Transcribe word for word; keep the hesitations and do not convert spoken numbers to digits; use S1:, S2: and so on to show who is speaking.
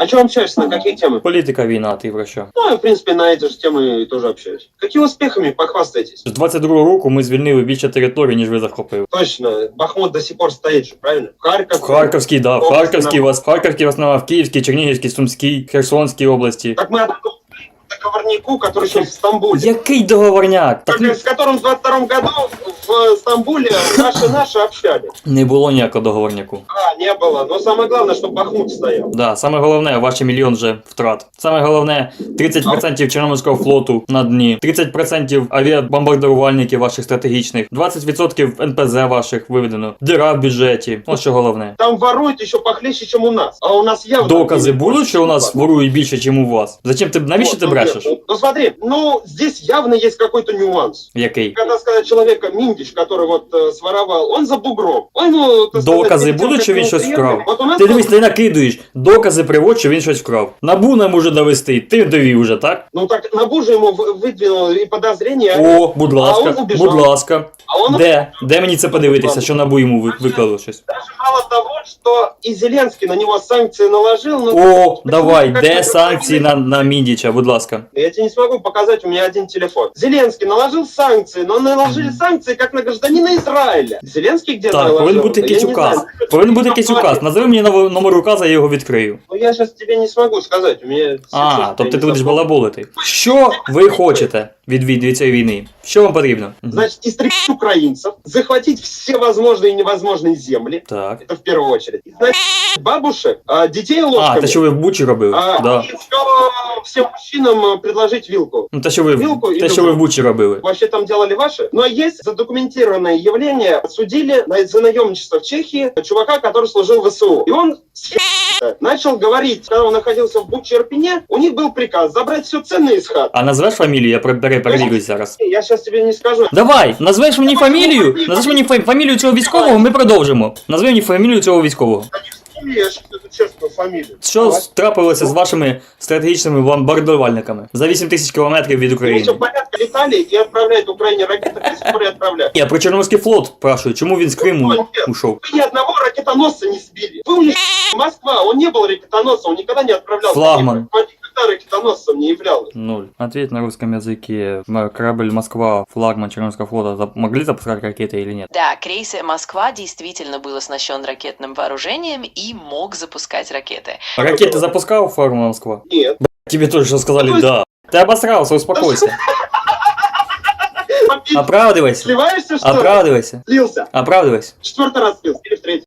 S1: чем общаешься, на какие темы?
S2: Політика, війна, ти про що?
S1: Ну, я, в принципе, на эти же темы тоже общаюсь. Какими успехами похвастаетесь?
S2: З двадцять другого року ми звільнили більше територій, ніж ви захопили.
S1: Точно, Бахмут до сих пор стоит же, правильно? Харьков.
S2: В Харківській, да, в
S1: области
S2: Харківській,
S1: на-
S2: вас, в Харківській в основному, в Київській, Чернігівській, Сумській, Херсонській області.
S1: Так мы отдали договорнику, который сейчас в Стамбуле.
S2: Який договорняк? Так
S1: Как- С которым в двадцать втором году в Стамбуле наши-наши общались.
S2: не було ніякого договорняку.
S1: А, не было. Но самое главное, чтобы Бахмут стоял.
S2: Да, саме головне, ваші мільйон вже втрат. Саме головне, тридцять відсотків Чорноморського флоту на дні, тридцять відсотків авіабомбардувальників ваших стратегічних, двадцять відсотків ен пе зет ваших виведено, діра в бюджеті. Ось що головне.
S1: Там воруют еще похлеще, чем у нас. А у нас явно...
S2: Докази будуть, що у нас ворують більше, ніж у вас? Зачем ти, навіщо
S1: Вот,
S2: ти
S1: ну,
S2: брешеш?
S1: нет, Ну смотри, ну здесь явно есть какой-то нюанс.
S2: Який?
S1: Когда сказать человека Миндич, который вот э, своровал, он за бугром. Он, ну, так сказать,
S2: Докази
S1: перед тем,
S2: будуть,
S1: как
S2: що він
S1: его
S2: щось
S1: приехали,
S2: вкрав?
S1: Вот у нас
S2: Ти
S1: вот-
S2: дивись, ти накидуєш. Докази приводь, що він щось вкрав. Набу нам може довести, ти довів уже, так?
S1: Ну так Набу же ему вы- выдвинул и подозрения.
S2: О, будь
S1: А
S2: ласка,
S1: он убіжав.
S2: будь ласка.
S1: А он
S2: Де? Де мені це подивитися, що Набу йому ви- виклало щось?
S1: даже мало того, что и Зеленский на него санкции наложил. Ну,
S2: О,
S1: почему
S2: давай,
S1: как-то
S2: де
S1: гражданин-
S2: санкції на, на Міндіча, будь ласка.
S1: Я тебе не смогу показать, у меня один телефон. Зеленский наложил санкции, но наложили санкции как на гражданина Израиля. Зеленский где
S2: Так,
S1: наложил?
S2: повинен бути
S1: Я
S2: якийсь
S1: не
S2: указ.
S1: знаю.
S2: Повинен бути якийсь указ. Назови мені нов- номер указа, я його відкрию.
S1: Ну я сейчас тебе не смогу сказать, у меня...
S2: А,
S1: сейчас
S2: тобто
S1: я
S2: ти
S1: не
S2: будеш
S1: запомню.
S2: балаболити. Що ви хочете від, від, від цієї війни? Що вам потрібно? Мгм.
S1: Значит, истребить украинцев, захватить все возможные и невозможные земли,
S2: Так.
S1: это в первую очередь. Значит, бабушек, а, детей ложками.
S2: А, те, що ви в Бучі робили?
S1: а,
S2: Да.
S1: и всё- всем мужчинам а, предложить вилку.
S2: Ну, те, що ви, в-
S1: Вилку і
S2: те, що ви в Бучі робили.
S1: Вообще там делали ваши. Но есть задокументированное явление. Судили на- за наемничество в Чехии чувака, который служил в вэ эс у. И он с хера начал говорить, когда он находился в Буче Ирпене, у них был приказ забрать все ценное из хат.
S2: А назвеш фамілію? Я пере- пере- перевірюсь зараз.
S1: Я сейчас тебе не скажу.
S2: Давай, назвеш мені фамілію, назвеш мені фа- фамілію цього військового, ми продовжимо. Назви мені фамілію цього військового.
S1: Я сейчас эту честную фамилию.
S2: Що
S1: Давай.
S2: трапилося з вашими стратегічними бомбардувальниками за вісім тисяч кілометрів від
S1: Они
S2: України?
S1: все порядка летали и отправляют Украине ракеты, до сих пор и отправляют.
S2: Я про Чорноморський флот спрашиваю, чому він з Криму ушов?
S1: Вы ни одного ракетоносца не сбили. Вы у них Москва, он не был ракетоносцем, он никогда не отправлял.
S2: Флагман.
S1: Он никогда ракетоносцем не являлся.
S2: Ноль. Ответь на русском языке. М, Корабль Москва, флагман Черноморского флота, зап- могли запускать ракеты или нет?
S3: Да, крейс Москва действительно был оснащен ракетным вооружением и мог запускать ракеты.
S2: Ракеты запускал флагман Москва?
S1: Нет.
S2: Тебе тоже что сказали да. Ты обосрался, успокойся. Оправдывайся.
S1: Сливаешься, что ли?
S2: Оправдывайся.
S1: Слился.
S2: Оправдывайся.
S1: Четвертый раз слился. Или в третий.